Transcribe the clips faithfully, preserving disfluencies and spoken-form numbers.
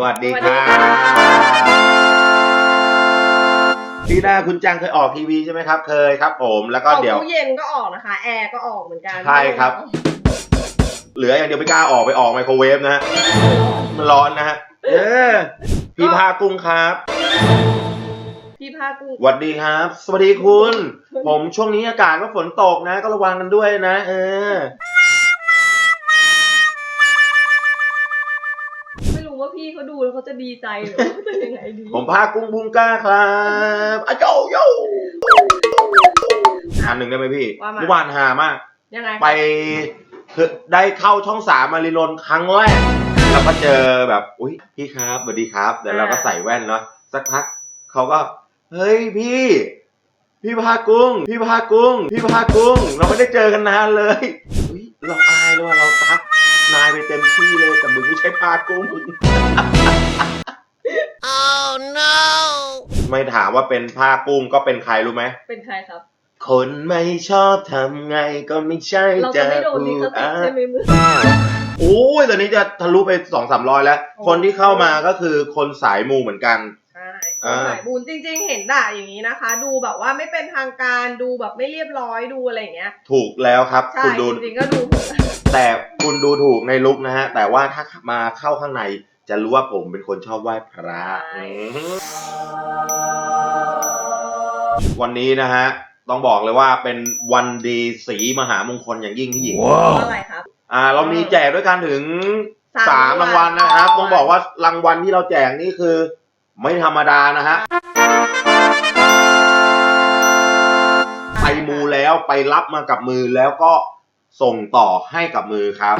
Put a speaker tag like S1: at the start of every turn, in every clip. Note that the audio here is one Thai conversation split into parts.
S1: วัสดีครับพี่ดาคุณจังเคยออกทีวีใช่ไหมครับเคยครับผมแล้วก็เดี๋ยว
S2: ตู้เย็นก็ออกนะคะแอร์ก็ออกเหมือนกัน
S1: ใช่ครับเหลืออย่างเดียวไม่กล้าออกไปออกไมโครเวฟนะฮะมันร้อนนะฮะเออพี่พากุ้งครับ
S2: พี่ภาคกุ้ง
S1: สวัสดีครับสวัสดีคุณผมช่วงนี้อากาศก็ฝนตกนะก็ระวังกันด้วยนะเออ
S2: ไม่รู้ว่าพี่เขาดูแล้วเขาจะดีใจหรือว่าจะยังไงดี
S1: ผมพากุ้งบุ้งก้าครับอะโยโย่อันหนึ่งได้ไหมพี่เมื่อวานหามาก
S2: ยังไง
S1: ไปคือได้เข้าช่องสามมารีนนท์ครั้งแรกแล้วก็เจอแบบอุ้ยพี่ครับสวัสดีครับเดี๋ยวเราก็ใส่แว่นเนาะสักพักเขาก็เฮ้ยพี่พี่พากุ้งพี่พากุ้งพี่พากุ้งเราไม่ได้เจอกันนานเลยอุ้ยเราอายเลยว่าเราทักนายไปเต็มที่เลยแต่มึงไม่ใช่พากุ้ง
S2: oh no
S1: ไม่ถามว่าเป็นผ้ากุ้งก็เป็นใครรู้ไหม
S2: เป็นใครครับ
S1: คนไม่ชอบทำไงก็ไม่ใช่
S2: เราจะไม่โดนลิขสิทธิ์ใช่ไหมมึง
S1: โอ้ยตอนนี้จะทะลุไปสองสามร้อยแล้วคนที่เข้ามาก็คือคนสายมูเหมือนกัน
S2: ใช่สายบุญจริงๆเห็นด่าอย่างนี้นะคะดูแบบว่าไม่เป็นทางการดูแบบไม่เรียบร้อยดูอะไรอย่างเงี้ย
S1: ถูกแล้วครับ
S2: คุณดูจริงๆก็ดู
S1: แต่คุณดูถูกในลุคนะฮะแต่ว่าถ้ามาเข้าข้างในจะรู้ว่าผมเป็นคนชอบไหว้พระวันนี้นะฮะต้องบอกเลยว่าเป็นวันดีสีมหามงคลอย่างยิ่งพี่หญิง
S2: อะไรครับ
S1: อ่าเรามีแจกด้วยกันถึงสามรางวัลนะครับต้องบอกว่ารางวัลที่เราแจกนี่คือไม่ธรรมดานะฮะไปมูแล้วไปรับมากับมือแล้วก็ส่งต่อให้กับมือครับ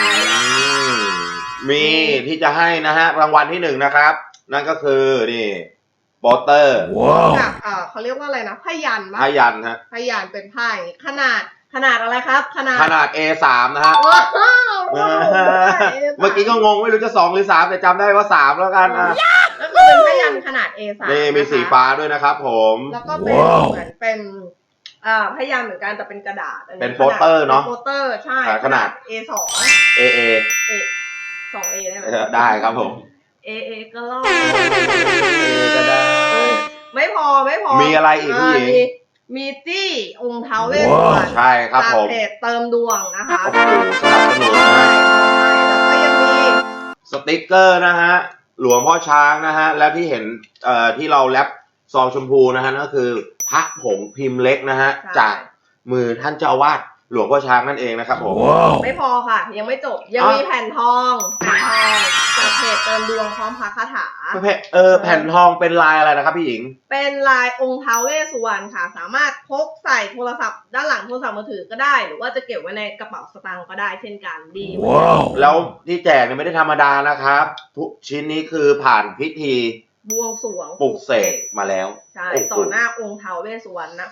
S1: มีที่จะให้นะฮะรางวัลที่หนึ่งนะครับนั่นก็คือนี่โปสเตอร์
S2: กับเอ่อเขาเรียกว่าอะไรนะพยัญชนะ
S1: พยัญชนะ
S2: พยัญชนะเป็นไพ่ขนาดขนาดอะไรครับขนาด
S1: ขนาด เอ สาม นะฮะเมื่อกี้ก็งงไม่รู้จะสองหรือสามแต่จำได้ว่าสามแล้วกันอ่ะ
S2: แล้วก็เป็นพยัญชนะขนาด เอ สาม
S1: นี่มีสีฟ้าด้วยนะครับผม
S2: แล้วก็เป็นเหมือนเป็นอ่าพยัญชนะเหมือนกันแต่เป็นกระดาษ
S1: เป็นโปสเตอร์เนาะ
S2: โปสเตอร์ใช่
S1: ขนาด
S2: เอ สอง
S1: เอ เอ
S2: เอ สอง เอ ได้ไหม
S1: ได้ครับผม
S2: เอ เอ ก็รอด
S1: เอ ก็ได้
S2: ไม่พอไม่พอ
S1: มีอะไรอีกพี่หญิง
S2: มีจี้องค์ท้าวเวสสุวรรณ
S1: ใช่ครับผม
S2: เพจเติมดวงนะคะ
S1: โอ้โหสนับสนุนนะ
S2: แล้วก็ยังมี
S1: สติ๊กเกอร์นะฮะหลวงพ่อช้างนะฮะแล้วที่เห็นเอ่อที่เราแรปซองชมพูนะฮะนั่นก็คือพระผงพิมพ์เล็กนะฮะจากมือท่านเจ้าอาวาสหลวงพ่อช้างนั่นเองนะครับผม
S2: ไม่พอค่ะยังไม่จบยังมีแผ่นทองแผ่นทองจากเพจเติมดวงพร้อมพระคาถา
S1: เออแผ่นทองเป็นลายอะไรนะครับพี่หญิง
S2: เป็นลายองค์ท้าวเวสสุวรรณค่ะสามารถพกใส่โทรศัพท์ด้านหลังโทรศัพท์มือถือก็ได้หรือว่าจะเก็บไว้ในกระเป๋าสตางค์ก็ได้เช่นกันดี
S1: ว้าวแล้วที่แจกเนี่ยไม่ได้ธรรมดานะครับทุกชิ้นนี้คือผ่านพิธี
S2: บวงสรวง
S1: ปลุกเสกมาแล้ว
S2: ใช่ต่อหน้าองค์ท้าวเวสสุวรรณนะ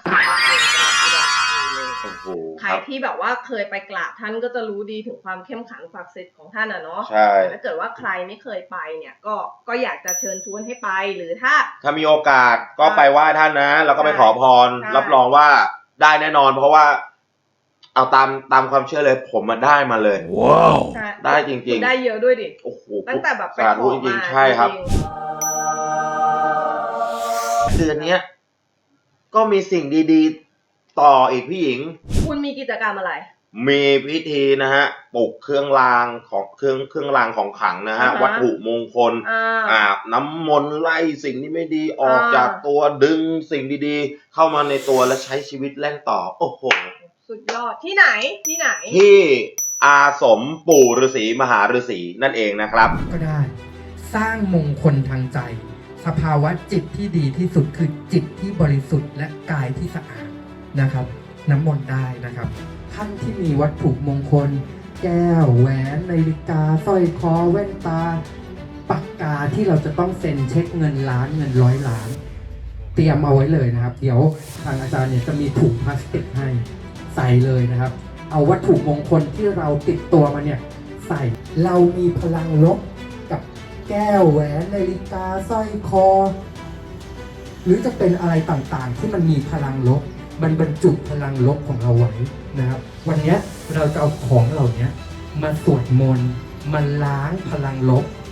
S2: ใครที่แบบว่าเคยไปกราบท่านก็จะรู้ดีถึงความเข้มขังศักดิ์สิทธิ์ของท่านอ่ะเนาะ
S1: ใช่
S2: ถ้าเกิดว่าใครไม่เคยไปเนี่ยก็ก็อยากจะเชิญชวนให้ไปหรือถ้า
S1: ถ้ามีโอกาสก็ไปไหว้ท่านนะแล้วก็ไปขอพรรับรองว่าได้แน่นอนเพราะว่าเอาตามตามความเชื่อเลยผมมาได้มาเลยว้าวได้จริงๆ
S2: ได้เยอะด้วยดิ
S1: โอ้โห
S2: ตั้งแต่แบบไปขอมา
S1: ใช่ครับเดือนนี้ก็มีสิ่งดีๆต่ออีกพี่หญิง
S2: คุณมีกิจกรรมอะไร
S1: มีพิธีนะฮะปลุกเครื่องรางของเครื่องเครื่องรางของขลังนะฮะวัตถุมงคลอาบน้ำมนต์ไล่สิ่งที่ไม่ดีออกจากตัวดึงสิ่งดีๆเข้ามาในตัวและใช้ชีวิตแล่นต่อโอ้โห
S2: สุดยอดที่ไหนที่ไหน
S1: ที่อาสมปู่ฤาษีมหาฤาษีนั่นเองนะครับ
S3: ก็ได้สร้างมงคลทางใจสภาวะจิตที่ดีที่สุดคือจิตที่บริสุทธิ์และกายที่สะอาดนะครับน้ำมนต์ได้นะครับท่านที่มีวัตถุมงคลแก้วแหวนนาฬิกาสร้อยคอแว่นตาปากกาที่เราจะต้องเซ็นเช็คเงินล้านเงินร้อยล้านเตรียมเอาไว้เลยนะครับเดี๋ยวทางอาจารย์เนี่ยจะมีถุงพลาสติกให้ใส่เลยนะครับเอาวัตถุมงคลที่เราติดตัวมาเนี่ยใส่เรามีพลังลบกับแก้วแหวนนาฬิกาสร้อยคอหรือจะเป็นอะไรต่างๆที่มันมีพลังลบมันบรรจุพลังลบของเราไว้นะครับวันนี้เราจะเอาของเหล่านี้มาสวดมนต์มาล้างพลังลบ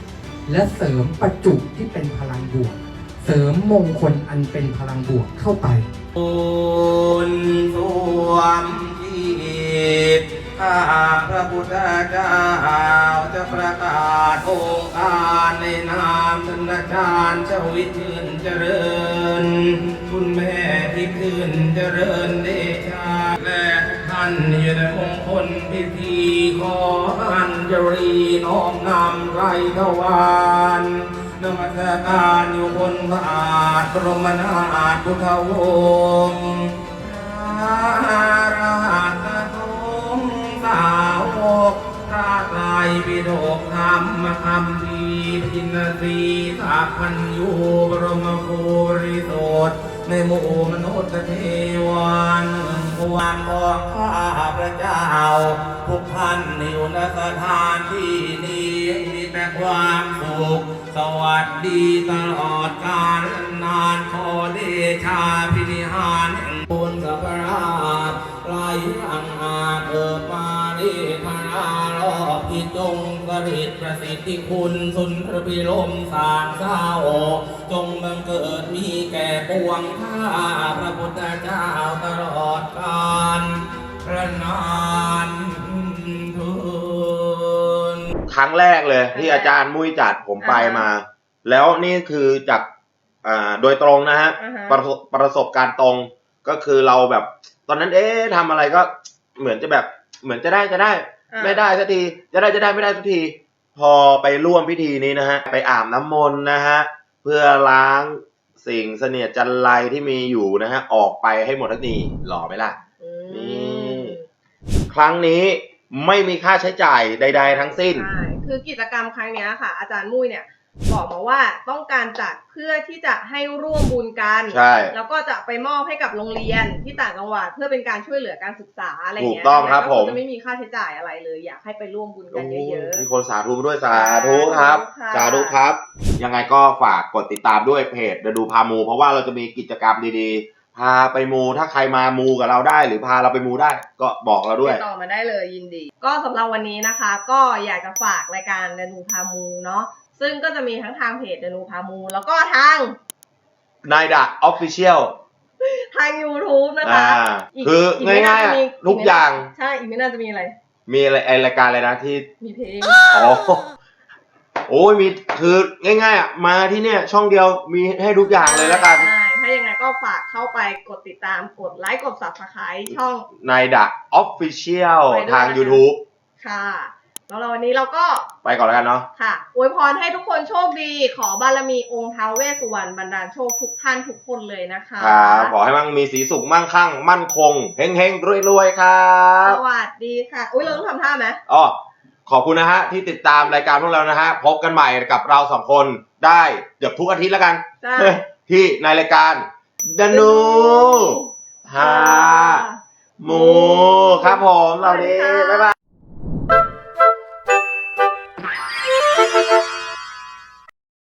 S3: และเสริมประจุที่เป็นพลังบวก เสริมมงคลอันเป็นพลังบวกเข้าไป
S4: บุญสวมที่ข้าพระพุทธเจ้าจะประกาศองค์การในนามธนชาญเจ้าวิทืนเจริญคุณแม่ที่คืนเจริญเดชาและท่านอยู่ในมงคลพิธีขออัญชลีน้อมนำไรทวารนมัสการอยู่บนพระอาจบรมนาถพุทธวงศ์พระอรหันตสงฆ์สาวกพระไตรปิฎกธรรมคำพีร์พินสีสัพพัญญูบรมภูริโสดในหมู่มนุษย์เทวันความของข้าพระเจ้าทุกท่านอยู่ในสถานที่นี้มีแต่ความสุขสวัสดีตลอดกาลนานขอเดชาพินิหารแห่งบุญกับพระราชไหลอังอาจเกิดมาดีพระนาลอบที่จงสริตประสิทธิคุณสุนทรพิลมสางเศร้าจงบังเกิดมีแก่ปวงข้าพระพุทธเจ้าตลอดกาลพระนานทุน
S1: ครั้งแรกเลยที่อาจารย์มุ้ยจัดผมไปมา แล้วนี่คือจากอ่าโดยตรงนะฮะ
S2: อ่าฮะ
S1: ประสบประสบการณ์ตรงก็คือเราแบบ ตอนนั้นเอ๊ะทำอะไรก็เหมือนจะแบบเหมือนจะได้จะได้
S2: อ่า
S1: ไม่ได้สักทีจะได้จะได้ไม่ได้สักที พอไปร่วมพิธีนี้นะฮะไปอาบน้ำมนต์นะฮะเพื่อล้างสิ่งเสนียดจันไรที่มีอยู่นะฮะออกไปให้หมดทันทีหล่อไหมล่ะ
S2: อืม
S1: นี่ ครั้งนี้ไม่มีค่าใช้จ่ายใด ๆ ทั้งสิ้น
S2: ใช่คือกิจกรรมครั้งเนี้ยค่ะ อาจารย์มุ้ยเนี่ยบอกมาว่าต้องการจัดเพื่อที่จะให้ร่วมบุญกัน
S1: ใช่
S2: แล้วก็จะไปมอบให้กับโรงเรียนที่ต่างจังหวัดเพื่อเป็นการช่วยเหลือการศึกษาอะไรอย่างเงี้ย
S1: ถูกต้องครับ
S2: ก็
S1: ผม
S2: จะไม่มีค่าใช้จ่ายอะไรเลย อยากให้ไปร่วมบุญกันเยอะ
S1: มีคนสาธุด้วยสาธุครับ
S2: ค่ะ
S1: สาธุครับ ยังไงก็ฝากกดติดตามด้วยเพจเดดูพามู เพราะว่าเราจะมีกิจกรรมดีๆ พาไปมูถ้าใครมามูกับเราได้ หรือพาเราไปมูได้ ก็บอกเรา
S2: ๆ
S1: ด้วย
S2: ติดต่อมาได้เลยยินดี ก็สำหรับวันนี้นะคะ ก็อยากจะฝากรายการเดนูพามูเนาะซึ่งก็จะมีทั้งทางเพจเดนูพามูแล้วก็ทาง
S1: นายดะออฟฟิเชียล
S2: ทาง YouTube นะคะ
S1: อ่าคือ
S2: อีกไม่น่
S1: ง่ายๆ
S2: จะ
S1: อะ
S2: มี
S1: ทุกอย่าง
S2: ใช่อีกไม่น่าจะมีอะไร
S1: มีอะไรไอรายการอะไรนะที่
S2: มีเพลง
S1: อ๋อ โอ้ยมีคือง่ายๆอ่ะมาที่เนี่ยช่องเดียวมีให้ทุกอย่างเลยแล้วกัน
S2: ใช่ถ้ายังไงก็ฝากเข้าไปกดติดตามกดไลค์กด Subscribe ช่อง
S1: นายดะออฟฟิเชียล
S2: ไปด้วย
S1: ทาง
S2: นะคะ
S1: YouTube
S2: ค่ะแล้วเราวันนี้เราก็
S1: ไปก่อนแล้วกันเนาะ
S2: ค่ะอวยพรให้ทุกคนโชคดี ขอบารมีองค์ท้าวเวสสุวรรณบันดาลโชคทุกท่านทุกคนเลยนะคะ
S1: ครับขอให้มั่งมีสีสุขมั่งคั่ง มั่นคงเฮงเฮงรวยรวยๆ ครั
S2: ส
S1: บ
S2: วัสดีค่ะ อุ้ยเราต้องทำท่าไหม
S1: อ๋อขอบคุณนะฮะ ที่ติดตามรายการพวกเรานะฮะ พบกันใหม่กับเราสองคนได้เกือบทุกอาทิตย์แล้วกัน
S2: ใช่
S1: ที่ในรายการดนูฮาหมูครับผมเรานี้บ๊ายบาย